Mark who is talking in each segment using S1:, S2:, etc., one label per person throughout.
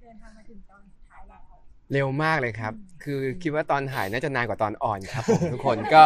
S1: ดินทางมาถึงตอนสุดท้ายแล้ว
S2: เร็วมากเลยครับคือคิดว่าตอนถ่ายน่าจะนานกว่าตอนอ่อนครับผมทุกคนก็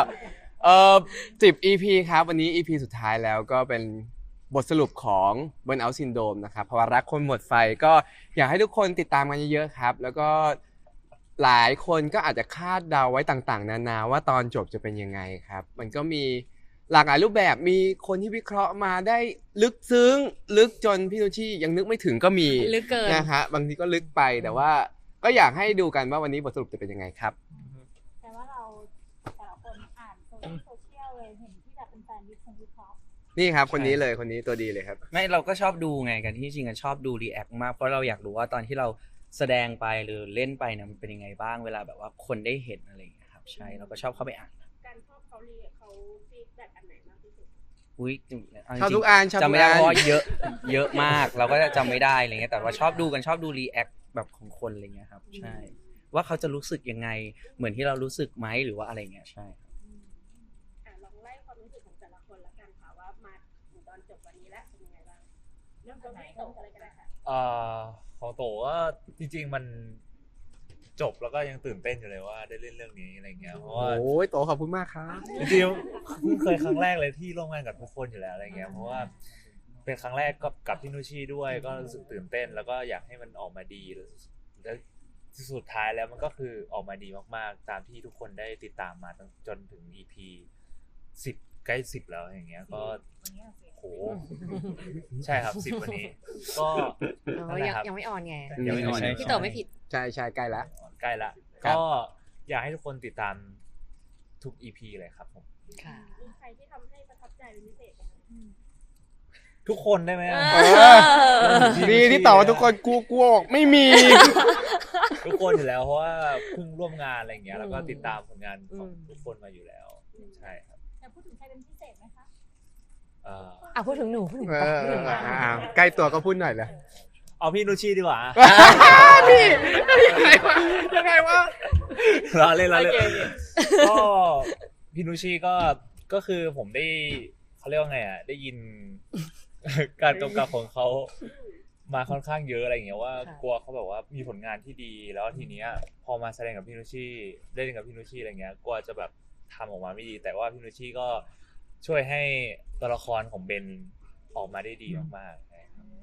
S2: 10 EP ครับวันนี้ EP สุดท้ายแล้วก็เป็นบทสรุปของ Burnout Syndrome นะครับภาวะรักคนหมดไฟก็อยากให้ทุกคนติดตามกันเยอะๆครับแล้วก็หลายคนก็อาจจะคาดเดาไว้ต่างๆนานาว่าตอนจบจะเป็นยังไงครับมันก็มีหลากหลายรูปแบบมีคนที่วิเคราะห์มาได้ลึกซึ้งลึกจนพี่นุชชี่ยังนึกไม่ถึงก็มี
S3: ลึกเกิน
S2: นะฮะบางทีก็ลึกไปแต่ว่าก็อยากให้ดูกันว่าวันนี้บทสรุปจะเป็นยังไงครับ
S1: แต่ว่าเราแต่ละคนอ่านโซเชียลเลยเห็นที่แบบเป็นแฟนวิเคราะห์
S2: นี่ครับคนนี้เลยคนนี้ตัวดีเลยครับ
S4: ไม่เราก็ชอบดูไงกันที่จริงชอบดูรีแอคมากเพราะเราอยากรู้ว่าตอนที่เราแสดงไปหรือเล่นไปเนี่ยมันเป็นยังไงบ้างเวลาแบบว่าคนได้เห็นอะไรอย่างเงี้ยครับใช่เราก็ชอบเข้าไปอ่าน
S1: การชอบเขาฟีดแบ็กอันไหนมากที่สุด
S4: อุ้ย
S2: ชอบทุกอันชอบทุกอัน
S4: จำไม่ได้เพราะเยอะมากเราก็จะจำไม่ได้อะไรเงี้ยแต่ว่าชอบดูกันชอบดูรีแอคแบบของคนอะไรเงี้ยครับใช่ว่าเขาจะรู้สึกยังไงเหมือนที่เรารู้สึกไหมหรือว่าอะไรเงี้ยใช่
S1: ลองไล่ความรู้สึกของแต่ละคนละกันค่ะว่ามาถึงตอนจบวันนี้แล้วเป็นยังไงบ้างเริ่มต้นไหนตรงอะไรกันนะคะ
S5: ของโตก็จริงๆมันจบแล้วก็ยังตื่นเต้นอยู่เลยว่าได้เล่นเรื่องนี้อะไรเงี้ยเพราะว่า
S2: โอ้ยโตขอบคุณมากครับ
S5: จริงๆเพิ่งเคยครั้งแรกเลยที่ร่วมงานกับทุกคนอยู่แล้วอะไรเงี้ยเพราะว่าเป็นครั้งแรกกับพี่นุชชี่ด้วยก็รู้สึกตื่นเต้นแล้วก็อยากให้มันออกมาดีแล้วสุดท้ายแล้วมันก็คือออกมาดีมากๆตามที่ทุกคนได้ติดตามมาจนถึง EP 10ใกล้10แล้วอย่างเงี้ยก็โหใช่ครับ10วันนี้ก็
S3: ยังไม่ออนไง
S5: ยังไม่ออน
S3: พี่โตไม่ผิด
S2: ใช่ใกล้ละ
S5: ใกล้ละ
S2: ครับ
S5: ก็อยากให้ทุกคนติดตามทุก EP เลยครับผม
S3: ค่ะ
S1: มีใครที่ทำให้ประทับใจเป็นพิเศษไหมคะ
S5: ทุกคนได้ไหม
S2: ดีที่ตอบว่าทุกคนกลัวบอกไม่มี
S5: ทุกคนอยู่แล้วเพราะว่าเพิ่งร่วมงานอะไรอย่างเงี้ยแล้วก็ติดตามผลงานของทุกคนมาอยู่แล้วใช่ครับ
S1: แต่พูดถึงใครเป็นพิเศษไหมคะ
S3: พูดถึงหนูพูดถึงป๊อปพูดถึง
S2: ใกล้ตัวก็พูดหน่อยเลย
S5: เอาพี่นุชชี่ดีกว่า
S2: นี่ยังไงวะ
S5: ล้อเล่นก็พี่นุชชี่ก็คือผมได้เขาเรียกว่าไงอ่ะได้ยิน การกำกับของเขามาค่อนข้างเยอะอะไรอย่างเงี้ยว่ากลัวเขาแบบว่ามีผลงานที่ดีแล้วทีเนี้ยพอมาแสดงกับพี่นุชชี่เล่นกับพี่นุชชี่อะไรเงี้ยกลัวจะแบบทำออกมาไม่ดีแต่ว่าพี่นุชชี่ก็ช่วยให้ตัวละครของเบนออกมาได้ดีมากๆ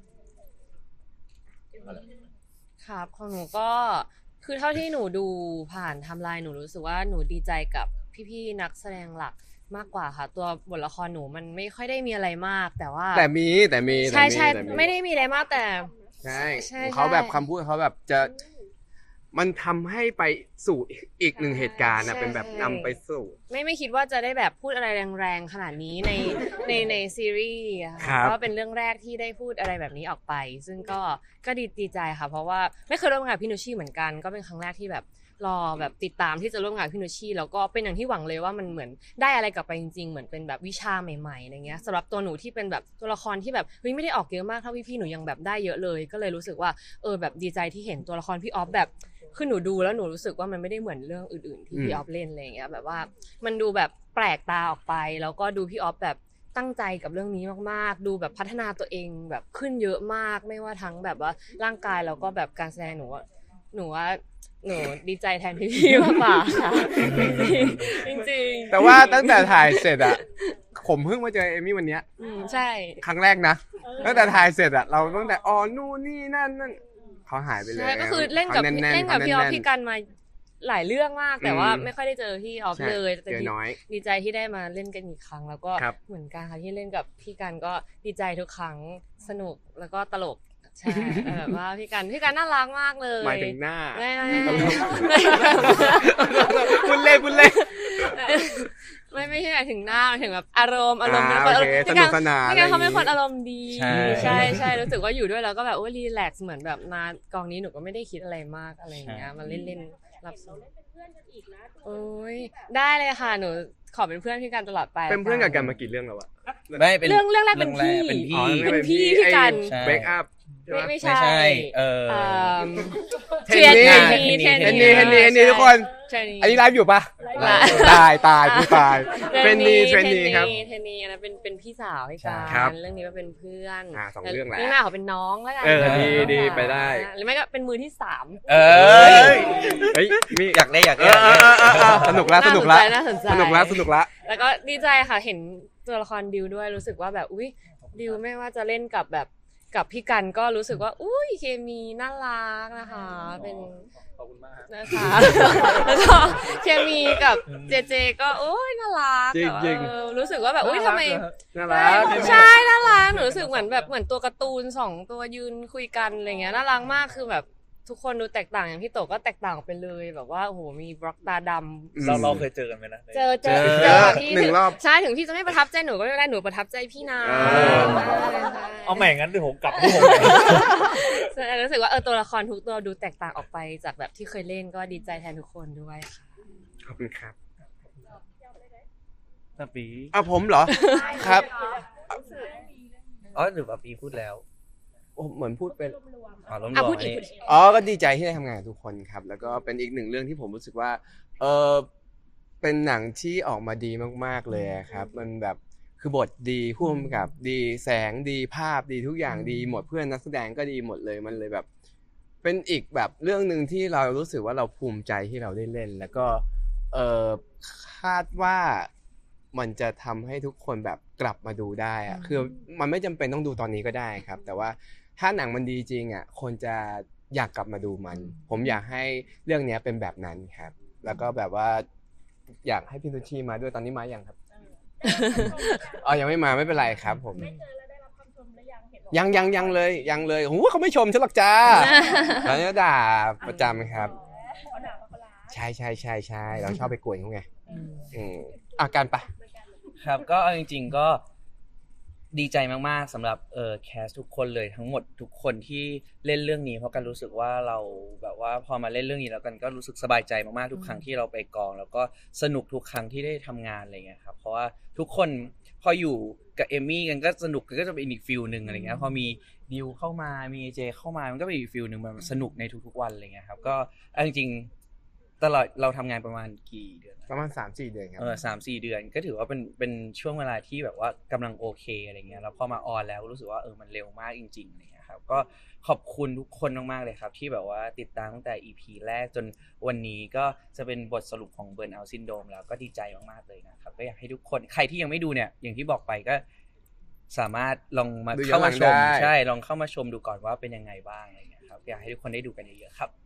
S3: ครับของหนูก็คือเท่าที่หนูดูผ่านไทม์ไลน์หนูรู้สึกว่าหนูดีใจกับพี่ๆนักแสดงหลักมากกว่าค่ะตัวบทละครหนูมันไม่ค่อยได้มีอะไรมากแต่ว่า
S2: แต่มี
S3: ใช่ไม่ได้มีอะไรมากแต่
S2: ใช่เขาแบบคำพูดเขาแบบจะมันทำให้ไปสู่อีกหนึ่งเหตุการณ์นะเป็นแบบนำไปสู่
S3: ไม่คิดว่าจะได้แบบพูดอะไรแรงๆขนาดนี้ในซีรีส์ค่ะก็เป็นเรื่องแรกที่ได้พูดอะไรแบบนี้ออกไปซึ่งก็ดีใจค่ะเพราะว่าไม่เคยร่วมงานกับพี่นุชชี่เหมือนกันก็เป็นครั้งแรกที่แบบรอแบบติดตามที่จะร่วมงานกับพี่นุชชี่แล้วก็เป็นอย่างที่หวังเลยว่ามันเหมือนได้อะไรกลับไปจริงๆเหมือนเป็นแบบวิชาใหม่ๆอะไรเงี้ยสำหรับตัวหนูที่เป็นแบบตัวละครที่แบบเฮ้ยไม่ได้ออกเยอะมากเท่าพี่ๆหนูยังแบบได้เยอะเลยก็เลยรู้สึกว่าแบบดีใจที่เห็นตัวละครพี่ออฟแบบคือหนูดูแล้วหนูรู้สึกว่ามันไม่ได้เหมือนเรื่องอื่นๆที่พี่ออฟเล่นอะไรเงี้ยแบบว่ามันดูแบบแปลกตาออกไปแล้วก็ดูพี่ออฟแบบตั้งใจกับเรื่องนี้มากๆดูแบบพัฒนาตัวเองแบบขึ้นเยอะมากไม่ว่าทั้งแบบว่าร่างกายแล้วก็แบบการแสดงหนูว่าหนูดีใจแทนพี่ๆมากกว่าค่ะจริงๆ
S2: แต่ว่าตั้งแต่ถ่ายเสร็จอะผมเพิ่งมาเจอเอมี่วันเนี้ย
S3: ใช่
S2: ครั้งแรกนะตั้งแต่ถ่ายเสร็จอะเราตั้งแต่นู่นนี่นั่นเขาหายไปเลย
S3: ใช่ก็คือเล่นกับพี่ออฟพี่กันมาหลายเรื่องมากแต่ว่าไม่ค่อยได้เจอพี่ออฟเลย
S2: เจอน้อย
S3: ดีใจที่ได้มาเล่นกันอีกครั้งแล้วก็เหมือนกันค่ะที่เล่นกับพี่กันก็ดีใจทุกครั้งสนุกแล้วก็ตลกใช่แบบว่าพี่กันน่ารักมากเลย
S2: หมายถึงหน้า
S3: ไม่
S2: คุณเล่
S3: ไม่ใช่หมายถึงหน้าหมายถึงแบบอารมณ์เป็นคน
S2: สนุกสนาน
S3: พี่กันเขาเป็นคนอารมณ์ดีใช่รู้สึกว่าอยู่ด้วยแล้วก็แบบรีแลกซ์เหมือนแบบมากองนี้หนูก็ไม่ได้คิดอะไรมากอะไรอย่างเงี้ยมาเล่นรับสนุกโอ้ยได้เลยค่ะหนูขอเป็นเพื่อนพี่กันตลอดไป
S2: เป็นเพื่อนกับกันมากี่เรื่องแล้วอะ
S4: ไม่เป็น
S3: เรื่องแรกเป็นพี่พี่กัน
S2: เบรกอัพ
S3: ไม่ใช่
S2: เทนนี่ทุกคนอันนี้ไลฟ์อยู่ปะตายผู้ตายเทรนนีครับ
S3: เทรนนีอันนั้นเป็นพี่สาวให้กั
S2: ครับ
S3: นเรื่องนี้ก็เป็นเพื่อน
S2: สองเรื่องแหละ
S3: เรื่องหน้าเขาเป็นน้องแล้วกัน
S2: ดีไปได้
S3: หรือไม่ก็เป็นมือที่สาม
S4: เออ
S2: เฮ้ยมี
S4: อยากได้
S2: สนุกละ
S3: น่าสนใจ
S2: สนุกละ
S3: แล้วก็ดีใจค่ะเห็นตัวละครดิวด้วยรู้สึกว่าแบบอุ้ยดิวไม่ว่าจะเล่นกับพี่กันก็รู้สึกว่าอุ้ยเคมีน่ารักนะคะเป็น
S5: ขอบคุณมากครับ
S3: นะคะ แล้วก็เคมีกับเจเจก็โอ้ยน่ารัก
S2: จริงๆ
S3: แบบรู้สึกว่าแบบอุ้ยทำไม
S2: น่ารัก
S3: ใช่น่ารักหนูรู้สึกเหมือนตัวการ์ตูน2ตัวยืนคุยกันอะไรเงี้ยน่ารักมากคือแบบทุกคนดูแตกต่างอย่างพี่โตก็แตกต่างออกไปเลยแบบว่าโอ้โหมีบล็อกตาดำ
S5: เราเคยเจอกันไหมนะ
S3: เจอพี่
S2: หนึ่งรอบ
S3: ใช่ถึงพี่จะไม่ประทับใจหนูก็ไม่ได้หนูประทับใจพี่นะ
S5: เอาใหม่งั้นเดี๋ยวผมกลับที่ผม
S3: ใช่รู้สึกว่าตัวละครทุกตัวดูแตกต่างออกไปจากแบบที่เคยเล่นก็ดีใจแทนทุกคนด้วยค่ะ
S2: ขอบคุณครับ
S4: ตะปี
S2: ผมเหรอครับ
S4: อ๋อหรือว่าปีพูดแล้ว
S2: เหมือนพูดเป็น
S4: อ๋อรวม
S3: พูด
S4: ๆ
S3: อีก
S4: นี่
S2: ก็ดีใจที่ได้ทำงานกับทุกคนครับ แล้วก็เป็นอีกหนึ่งเรื่องที่ผมรู้สึกว่าเป็นหนังที่ออกมาดีมากๆเลยครับ มันแบบคือบทดีผู้กำกับดีแสงดีภาพดีทุกอย่างดีหมดเพื่อนนักแสดงก็ดีหมดเลยมันเลยแบบ เป็นอีกแบบเรื่องหนึ่งที่เรารู้สึกว่าเราภูมิใจที่เราได้เล่น แล้วก็คาดว่ามันจะทำให้ทุกคนแบบกลับมาดูได้อะคือมันไม่จำเป็นต้องดูตอนนี้ก็ได้ครับ แต่ว่าถ้าหนังมันดีจริงอ่ะคนจะอยากกลับมาดูมัน ผมอยากให้เรื่องนี้เป็นแบบนั้นครับ แล้วก็แบบว่าอยากให้พี่นุชชีมาด้วยตอนนี้มาอย่างครับยังไม่มาไม่เป็นไรครับ ผม
S1: ได้เจอแล้วได้รับคำชมหรือยังเห็นบอก
S2: ยังเลยโอ้โหเขาไม่ชมฉันหรอกจ้าเขาจะด่าประจำครับ
S1: ขอด่าเขาละ
S2: ใช่เราชอบไปกวนเขาไงอาการปะ
S4: ครับก็เอาจริงๆก็ดีใจมากๆสำหรับแคสทุกคนเลยทั้งหมดทุกคนที่เล่นเรื่องนี้เพราะกันรู้สึกว่าเราแบบว่าพอมาเล่นเรื่องนี้แล้วกันก็รู้สึกสบายใจมากๆทุกครั้งที่เราไปกองแล้วก็สนุกทุกครั้งที่ได้ทำงานอะไรเงี้ยครับเพราะว่าทุกคนพออยู่กับเอมมี่กันก็สนุกกันก็จะเป็นอีกฟิลนึงอะไรเงี้ยพอมีดิวเข้ามามีเจเข้ามามันก็เป็นอีกฟิลนึงมันสนุกในทุกๆวันอะไรเงี้ยครับก็เอาจริงๆตลอดเราทำงานประมาณกี่เดือน
S2: ประมาณ 3-4 เดือนครับ
S4: 3-4 เดือนก็ถือว่าเป็นช่วงเวลาที่แบบว่ากำลังโอเคอะไรเงี้ยแล้วพอมาออนแล้วรู้สึกว่ามันเร็วมากจริงๆอะไรเงี้ยครับก็ขอบคุณทุกคนมากๆเลยครับที่แบบว่าติดตามตั้งแต่ EP แรกจนวันนี้ก็จะเป็นบทสรุปของ Burnout Syndrome แล้วก็ดีใจมากๆเลยนะครับก็อยากให้ทุกคนใครที่ยังไม่ดูเนี่ยอย่างที่บอกไปก็สามารถลองมาเข้ามาชมใช่ลองเข้ามาชมดูก่อนว่าเป็นยังไงบ้างอะไรเงี้ยครับอยากให้ทุกคนได้ดูกันเยอะๆครับ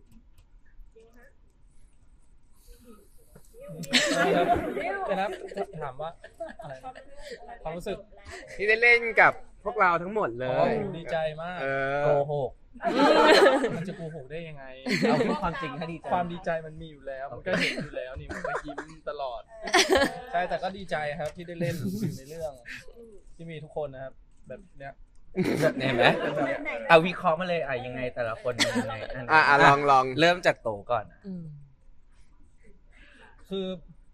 S5: นะครับถามว่าอะไรความรู้สึก
S2: ที่ได้เล่นกับพวกเราทั้งหมดเลย
S5: ดีใจมากโกหกมันจะโกหกได้ยังไง
S4: เอาพูดความจริงถ้าดีใจ
S5: ความดีใจมันมีอยู่แล้วมันก็เห็นอยู่แล้วนี่มันก็ยิ้มตลอดใช่แต่ก็ดีใจครับที่ได้เล่นในเรื่องที่มีทุกคนนะครับแบบเนี้ย
S4: เห็นไหมเอาวิเคราะห์มาเลยยังไงแต่ละคนยังไง
S2: ลอง
S4: เริ่มจากโตก่อน
S5: คือ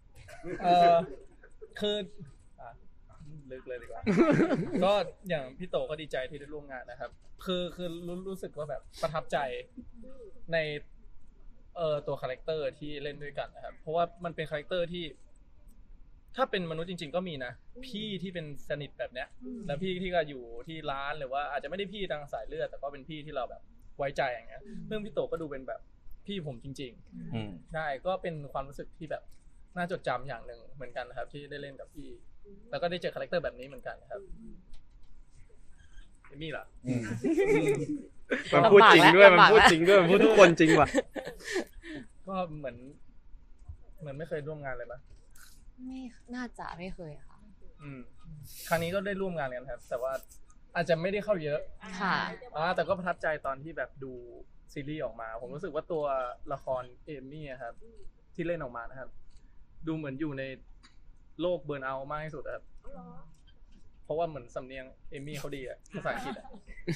S5: ลึกเลยดีกว่าก็อย่างพี่โตก็ดีใจที่ได้ร่วมงานนะครับคือรู้สึกว่าแบบประทับใจในตัวคาแรคเตอร์ที่เล่นด้วยกันนะครับเพราะว่ามันเป็นคาแรคเตอร์ที่ถ้าเป็นมนุษย์จริงๆก็มีนะพี่ที่เป็นสนิทแบบเนี้ยแล้วพี่ที่ก็อยู่ที่ร้านหรือว่าอาจจะไม่ได้พี่ทางสายเลือดแต่ก็เป็นพี่ที่เราแบบไว้ใจอย่างเงี้ยเรื่องพี่โตก็ดูเป็นแบบพี่ผมจริงๆได้ก็เป็นความรู้สึกที่แบบน่าจดจำอย่างหนึ่งเหมือนกันนะครับที่ได้เล่นกับพี่แล้วก็ได้เจอคาแรคเตอร์แบบนี้เหมือนกันครับเอมี่ล่ะ
S2: มันพูดจริงด้วยมันพูดทุกคนจริงว่ะ
S5: ก็เหมือนไม่เคยร่วมงานเลยปะ
S3: ไม่น่าจะไม่เคยค่ะ
S5: ครั้งนี้ก็ได้ร่วมงานกันครับแต่ว่าอาจจะไม่ได้เข้าเยอะ
S3: ค่ะ
S5: แต่ก็ประทับใจตอนที่แบบดูซีรีส์ออกมาผมรู้สึกว่าตัวละครเอมี่ครับที่เล่นออกมานะครับดูเหมือนอยู่ในโลกเบิร์นเอาท์มากที่สุดครับเพราะว่าเหมือนสำเนียงเอมี่เขาดีอะภาษาอังกฤษอะ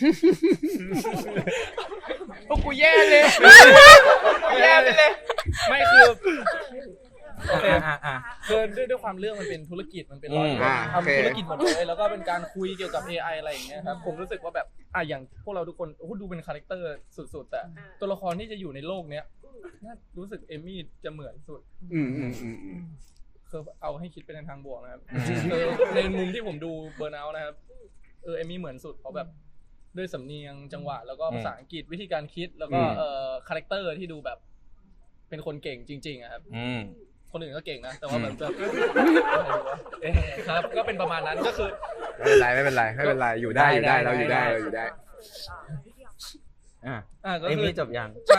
S2: พวกกูแย่เลย
S5: ไม่คือด้วยความเรื่องมันเป็นธุรกิจมันเป็นร้อยทำธุรกิจหมดเลยแล้วก็เป็นการคุยเกี่ยวกับ AI อะไรอย่างเงี้ยครับผมรู้สึกว่าแบบ
S6: อย่างพวกเราทุกคนโอ้โหดูเป็นคาแรคเตอร์สุดๆแต่ตัวละครที่จะอยู่ในโลกเนี้ยน่ารู้สึกเอมมี่จะเหมือนสุด คือเอาให้คิดเป็นทางบวกนะครับในมุมที่ผมดูเบอร์นเอาท์นะครับเอมมี่เหมือนสุดเพราะแบบด้วยสำเนียงจังหวะแล้วก็ภาษาอังกฤษวิธีการคิดแล้วก็คาแรคเตอร์ที่ดูแบบเป็นคนเก่งจริงๆอะครับคนอื่นก็เก่งนะแต่ว่าแบบครับก็เป็นประมาณนั้นก็คือ
S2: ไม่เป็นไรอยู่ได้เราอยู่ได้
S4: ก็
S6: คือ
S4: เอมมี่จบยัง
S6: ใช่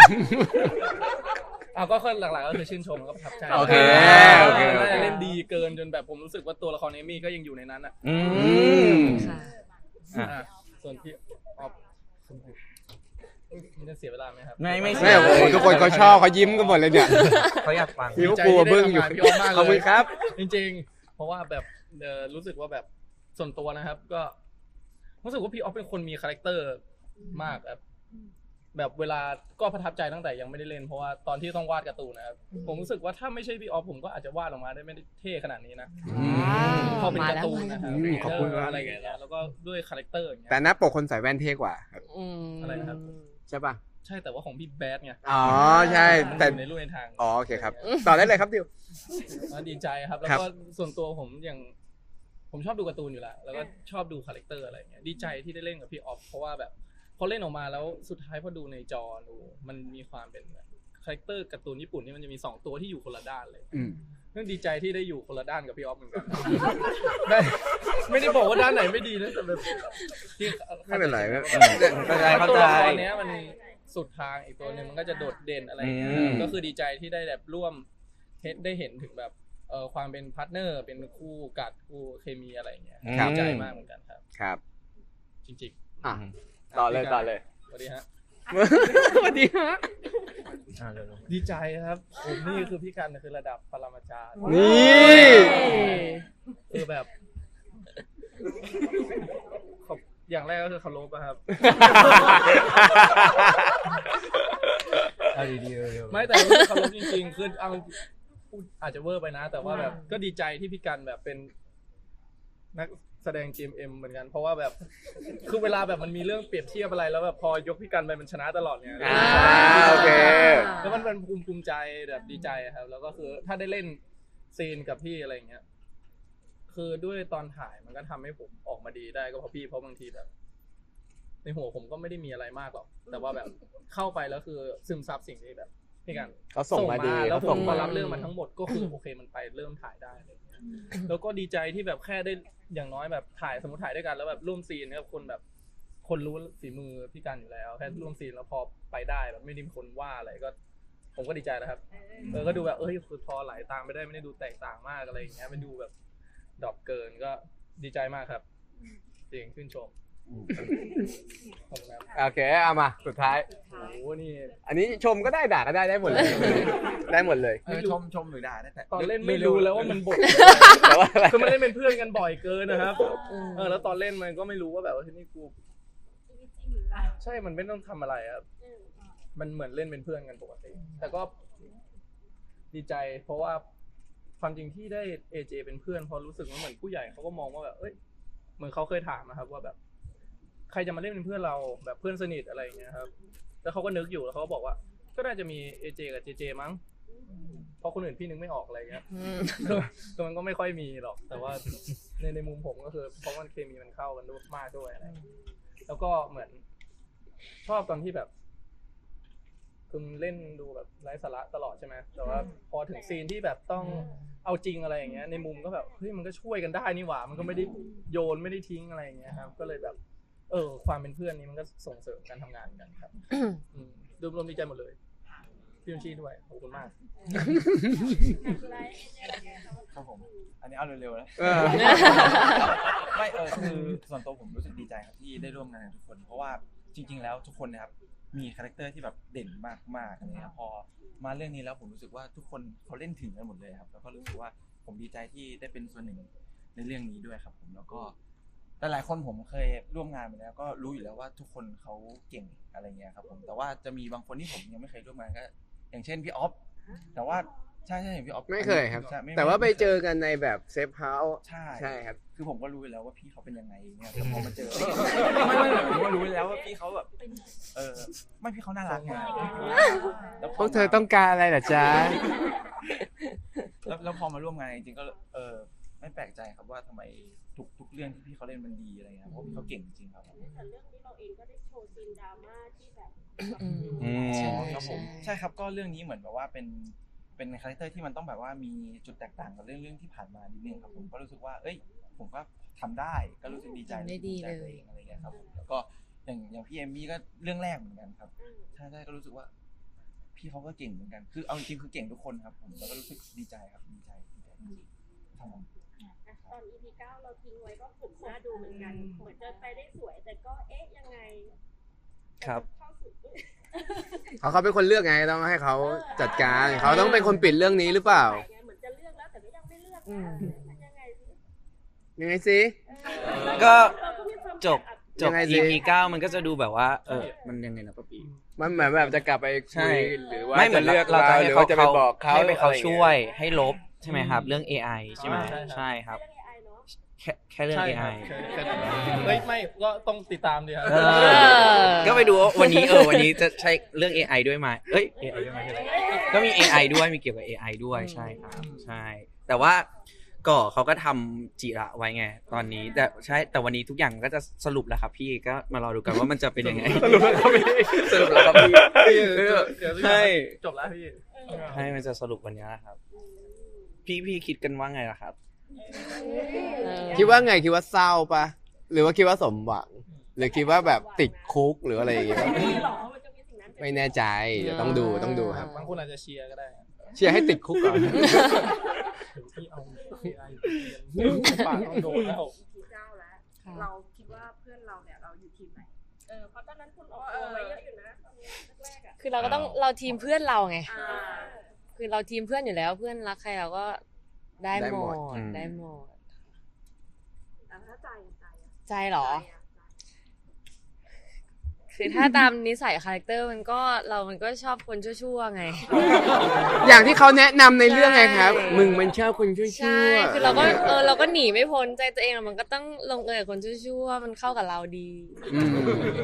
S6: ก็หลักๆก็คือชื่นชมแล้วก็ประทับใจ
S2: โอเค
S6: น่าจะเล่นดีเกินจนแบบผมรู้สึกว่าตัวละครเอมมี่ก็ยังอยู่ในนั้นอ่ะ
S3: ค่ะ
S6: ส่วนพี่ออฟมันจะเสียเวลาไหมครับ
S4: ไม่
S2: ไม่โอ้โหทุกคนเขาชอบเขายิ้มกันหมดเลยเนี่ย
S4: เขาอยากฟัง
S2: พี่ก็กลัวบึ้งอยู่
S6: พี่ออฟมาก
S2: ขอบ
S6: เล
S2: คุ
S6: ย
S2: ณครับ
S6: จริงๆเพราะว่าแบบรู้สึกว่าแบบส่วนตัวนะครับก็รู้สึกว่าพี่ออฟเป็นคนมีคาแรคเตอร์มากแบบเวลาก็ประทับใจตั้งแต่ยังไม่ได้เล่นเพราะว่าตอนที่ต้องวาดการ์ตูนนะครับผมรู้สึกว่าถ้าไม่ใช่พี่ออฟผมก็อาจจะวาดออกมาได้ไม่ได้เท่ขนาดนี้นะพอเป็นการ์ตูนนะครับ
S2: ขอบคุณครับ
S6: อะไรอย่างเงี้ยแล้วก็ด้วยคาแรคเตอร์อย่างเงี้ย
S2: แต่หน้าปกคนใส่แว่นเท่กว่าครับ
S6: อะไรนะครับ
S2: ใช่ป่ะ
S6: ใช่แต่ว่าของพี่แบดไง
S2: อ๋อใช่แต่
S6: มันอยู่ในรูปในทาง
S2: อ๋อโอเคครับต่อได้เลยครับดิว
S6: ดีใจครับแล้ว
S2: ครับ
S6: ก็ส่วนตัวผมอย่างผมชอบดูการ์ตูนอยู่แล้วแล้วก็ชอบดูคาแรคเตอร์อะไรอย่างเงี้ยดีใจที่ได้เล่นกับพี่ออฟเพราะว่าแบบพอเล่นออกมาแล้วสุดท้ายพอดูในจอดูมันมีความเป็นคาแรคเตอร์การ์ตูนญี่ปุ่นที่มันจะมี2ตัวที่อยู่คนละด้านเลยนั่นดีใจที่ได้อยู่คนละด้านกับพี่ออฟเหมือนกันได้ไม่ได้บอกว่าด้านไหนไม่ดีนะแต่แบบที่
S2: ไม่เป็นไร
S4: เข้าใจ
S6: ตัวละครเนี้ยมันสุดทางอีกตัวหนึงมันก็จะโดดเด่นอะไรอย่างเงี้ยก็คือดีใจที่ได้แบบร่วมได้เห็นถึงแบบความเป็นพาร์ทเนอร์เป็นคู่กัดคู่เคมีอะไรอย่างเงี้ยดีใจมากเหมือนกันครับ
S2: ครับ
S6: จริง
S2: อ่ะต่อเลย
S6: สวัสดีฮะ
S2: สวัสดีฮะ
S6: ดีใจครับผมนี่คือพี่กันคือระดับปรมาจารย์
S2: นี่
S6: คือแบบอย่างแรกก็คือเคารพอะครับ
S5: เอาดีๆ
S6: ไม่แต่เคารพจริงๆคือเอาพูดอาจจะเวอร์ไปนะ แต่ว่าแบบก็ดีใจที่พี่กันแบบเป็นนักแสดง GMM เหมือนกัน เพราะว่าแบบคือเวลาแบบมันมีเรื่องเปรียบเทียบอะไรแล้วแบบพอยกพี่กันไปมันชนะตลอดเนี่ย
S2: โอเค
S6: แล้วมันเป็นภูมิใจแบบดีใจครับ แล้วก็คือถ้าได้เล่นซีนกับพี่อะไรอย่างเงี้ยคือด้วยตอนถ่ายมันก็ทำให้ผมออกมาดีได้ก็เพราะพี่เพราะบางทีแบบในหัวผมก็ไม่ได้มีอะไรมากหรอกแต่ว่าแบบเข้าไปแล้วคือซึมซับสิ่งที่แบบพี่กัน
S2: เขาส่งมาดี
S6: แล้วผ
S2: เขาส่
S6: ม
S2: ง
S6: ก็
S2: มา
S6: รับเรื่องมาทั้งหมดก็คือโอเคมันไปเริ่มถ่ายได้อะไรอย่างเงี้ยแล้วก็ดีใจที่แบบแค่ได้อย่างน้อยแบบถ่ายสมมติถ่ายด้วยกันแล้วแบบร่วมซีนกับคนแบบคนรู้ฝีมือพี่กันอยู่แล้วแค่ร่วมซีนแล้วพอไปได้แบบไม่ได้มีคนว่าอะไรก็ ผมก็ดีใจแล้วครับก็ดูแบบคือพอไหลตามไปได้ไม่ได้ดูแตกต่างมากอะไรอย่างเงี้ยไม่ดูแบบดรอปเกินก็ดีใจมากครับจริงชื่นชมขอบคุณครับ
S2: โอเคเอามาสุดท้าย
S6: โอ้โหนี่
S2: อันนี้ชมก็ได้ด่าก็ได้หมดเลยได้หมดเลย
S5: ชมหรือด่าได้แต่
S6: ตอนเล่นไม่รู้แล้วว่ามันบท
S2: แต่ว่าอะไร
S6: คือมันเล่นเป็นเพื่อนกันบ่อยเกินนะครับแล้วตอนเล่นมันก็ไม่รู้ว่าแบบว่าที่นี่กูใช่มันไม่ต้องทำอะไรครับมันเหมือนเล่นเป็นเพื่อนกันปกติแต่ก็ดีใจเพราะว่าความจริงที่ได้ AJ เป็นเพื่อนพอรู้สึกว่าเหมือนผู้ใหญ่เขาก็มองว่าแบบเหมือนเขาเคยถามนะครับว่าแบบใครจะมาเล่นเป็นเพื่อนเราแบบเพื่อนสนิทอะไรอย่างเงี้ยครับแล้วเขาก็นึกอยู่แล้วเขาก็บอกว่าก็น่าจะมี AJ กับ JJ มั้งเพราะคนอื่นพี่นึกไม่ออกอะไรเงี้ยคือมันก็ไม่ค่อยมีหรอกแต่ว่าในมุมผมก็คือเพราะมันเคมีมันเข้ากันด้วยมากด้วยอะไรแล้วก็เหมือนชอบตอนที่แบบคือเล่นดูแบบไร้สาระตลอดใช่ไหมแต่ว่าพอถึงซีนที่แบบต้องเอาจริงอะไรอย่างเงี้ยในมุมก็แบบเฮ้ยมันก็ช่วยกันได้นี่หว่ามันก็ไม่ได้โยนไม่ได้ทิ้งอะไรอย่างเงี้ยครับก็เลยแบบความเป็นเพื่อนนี้มันก็ส่งเสริมการทำงานกันครับรวมดีใจหมดเลยพี่ยุนชีด้วยขอบคุณมาก
S5: ครับผมอันนี้เอาเร็วๆนะไม่คือส่วนตัวผมรู้สึกดีใจครับที่ได้ร่วมงานกับทุกคนเพราะว่าจริงๆแล้วทุกคนนะครับมีคาแรคเตอร์ที่แบบเด่นมากๆอะไรครับพอมาเรื่องนี้แล้วผมรู้สึกว่าทุกคนเขาเล่นถึงกันหมดเลยครับแล้วก็รู้สึกว่าผมดีใจที่ได้เป็นส่วนหนึ่งในเรื่องนี้ด้วยครับผมแล้วก็หลายๆคนผมเคยร่วมงานมาแล้วก็รู้อยู่แล้วว่าทุกคนเขาเก่งอะไรเงี้ยครับผมแต่ว่าจะมีบางคนที่ผมยังไม่เคยร่วมงานก็อย่างเช่นพี่ออฟแต่ว่า
S7: ใช่เห็นพี่ออฟ
S2: ไม่เคยครับ
S7: ใช่ม่
S2: แต่ว่าไป
S7: ม่คย
S2: เจอกันในแบบเซฟเฮาส์
S7: ใช่
S2: ใช่ครับ
S7: คือผมก็รู้อยู่แล้วว่าพี่เขาเป็นยังไงเนี่ยแต่พอมาเจอไม่ผมก็รู้อยู่แล้วว่าพี่เขาแบบไม่พี่เขาน่ารักไงแล้ว
S2: พวกเธอต้องการอะไรเหรอจ๊ะ
S7: แล้วพอมาร่วมงานจริงๆก็ไม่แปลกใจครับว่าทำไมทุกเรื่องที่พี่เขาเล่นมันดีอะไรเงี้ยเพราะพี่เขาเก่งจริงๆครับ
S1: แต่เรื่องนี้เราเองก็ได้โชว์ซีนดราม่าที่แบบ
S3: ใช่
S7: ครับผม
S3: ใช่
S7: ใช่ครับก็เรื่องนี้เหมือนแบบว่าเป็นคาแรคเตอร์ที่มันต้องแบบว่ามีจุดแตกต่างกับเรื่องที่ผ่านมานิดนึงครับผมก็รู้สึกว่าผมก็ทำได้ก็รู้สึกดีใจ
S3: ทำได้ดี
S7: ภูมิใจ
S3: เลย
S7: ตัวองอะไรเงี้ยครับผมแล้วก็อย่างพี่เอมมี่ก็เรื่องแรกเหมือนกันครับใช่ก็รู้สึกว่า พี่เขาก็เก่งเหมือนกันคือเอาจริงๆคือเก่งทุกคนครับผมแล้วก็รู้สึกดีใจครับดีใจจริงๆครับผม
S1: ตอน EP 9เราทิ้งไว้ก็ผมน่าดูเหมือนกันเหมือนจะไปได้สวยแต่ก็ยังไง
S4: ครับ
S1: เข้าสู่
S2: เขาเป็นคนเลือกไงต้องให้เขาจัดการเขาต้องเป็นคนปิดเรื่องนี้หรือเปล่า
S1: เหมือนจะเลือกแล้วแต่ก็ยังไม่เลือกนะมันยังไงสิ
S2: ยังไงสิ
S4: ก็
S1: เราก็มีความ
S4: จบ
S2: ยังไงสิ
S4: EP 9มันก็จะดูแบบว่ามันยังไงนะป้าปี
S2: มันเหมือนแบบจะกลับไป
S4: ใช่
S2: คุยหรือว่า
S4: ไม่เหมือน
S2: จะเลือก
S4: เราจะให้
S2: หรือ
S4: เขา
S2: ว่าจะไปบอกเขา
S4: ให้ไปเขา
S2: อะไรอย่างงี้
S4: ช่วยให้ลบใช่ไหมครับ เรื่อง AI ใช่ไหม
S6: ใช่
S4: ใช่ครับ
S1: เรื่อง AI เนาะ
S4: แค่เรื่อง
S6: ใช่ครับ
S4: AI
S6: แค่เฮ้ยไม่ก็ต้องติดตามดีครับ
S4: เออก็ไปดูว่าวันนี้วันนี้จะใช้เรื่อง AI ด้วยไหมAI ด้วยไหมก็มี AI ด้วยมีเกี่ยวกับ AI ด้วยใช่ครับใช่ แต่ว่าก็เขาก็ทำจิระไว้ไงตอนนี้แต่วันนี้ทุกอย่างก็จะสรุปแล้วครับพี่ก็มารอดูกันว่ามันจะเป็นยังไง
S2: สรุปแล้วครับพี่สรุปแล้วครับพี่
S4: ใช่
S6: จบแล้วพี่
S4: ให้มันจะสรุปวันนี้นะครับ พี่คิดกันว่าไงล่ะครับ
S2: คิดว่าไงคิดว่าเศร้าปะหรือว่าคิดว่าสมหวัง หรือคิดว่าแบบติดคุกหรืออะไรอย่างเงี้ย
S1: ไม่หรอมันจะมีสิ่งนั้น
S2: ไม่แน่ใจเดี๋ยวต้องดูครับ
S6: บางคนอาจจะเชียร์ก็ได้
S2: เชียร์ให้ติดคุกก่อน
S6: ที่เอา AI ปากต้องโดนแล้ว
S1: ทีเจ้าแล้วเราคิดว่าเพื่อนเราเนี่ยเราอยู่ทีมไหนเพราะตอนนั้นคุณออกตัวไว้เยอะอยู่นะตอนแรกๆอ่ะ
S3: คือเราก็ต้องเราทีมเพื่อนเราไง
S1: อ่า
S3: คือเราทีมเพื่อนอยู่แล้วเพื่อนรักใครเราก็ได้
S2: ได้
S3: หม
S2: หม
S3: ด
S2: ด
S3: ได้หมด
S1: แต่ถ้าใจอ่ะ
S3: ใจเหรอ คือถ้าตามนิสัยคาแรคเตอร์มันก็ชอบคนชั่วๆไง
S2: อย่างที่เขาแนะนำในเรื่องไงครับ มึงมันชอบคนชั่วๆ
S3: ใช่ คือเราก็หนีไม่พ้นใจตัวเองมันก็ต้องลงเอยกับคนชั่วๆมันเข้ากับเราดี
S2: อืม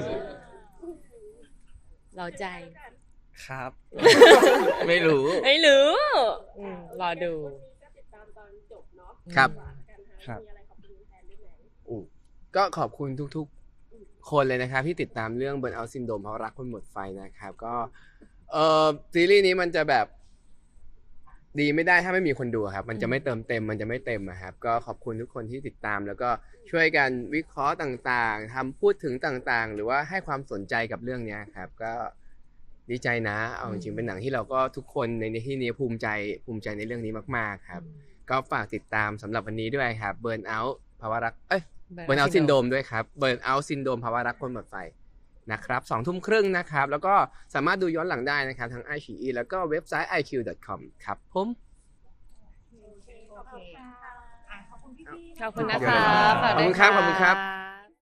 S3: เราใจ
S4: ครับ ไม่รู้
S3: ไม่รู้รอดู
S1: วันนี้ก็ติดตามตอนจบเนาะ
S2: ครับ
S4: ครับ
S1: มีอะไรขอบคุณแฟนด้วยไหม
S2: ก็ขอบคุณทุกๆคนเลยนะครับที่ติดตามเรื่อง Burnout Syndrome เพราะรักคนหมดไฟนะครับก็ซีรีส์นี้มันจะแบบดีไม่ได้ถ้าไม่มีคนดูครับมันจะไม่เติมเต็มมันจะไม่เต็มอะครับก็ขอบคุณทุกคนที่ติดตามแล้วก็ช่วยกันวิเคราะห์ต่างๆทำพูดถึงต่างๆ หรือว่าให้ความสนใจกับเรื่องนี้ครับก็ดีใจนะเอาจริงๆเป็นหนังที่เราก็ทุกคนในที่นี้ภูมิใจในเรื่องนี้มากๆครับก็ฝากติดตามสำหรับวันนี้ด้วยครับ Burnout ภาวะรักBurnout Syndrome ด้วยครับ Burnout Syndrome ภาวะรักคนหมดไฟนะครับ 20:30 น.นะครับแล้วก็สามารถดูย้อนหลังได้นะครับทั้ง iQIYI แล้วก็เว็บไซต์ iq.com ครับผม
S3: ขอบคุณนะคะ
S2: ขอบคุณครับขอบคุณครับ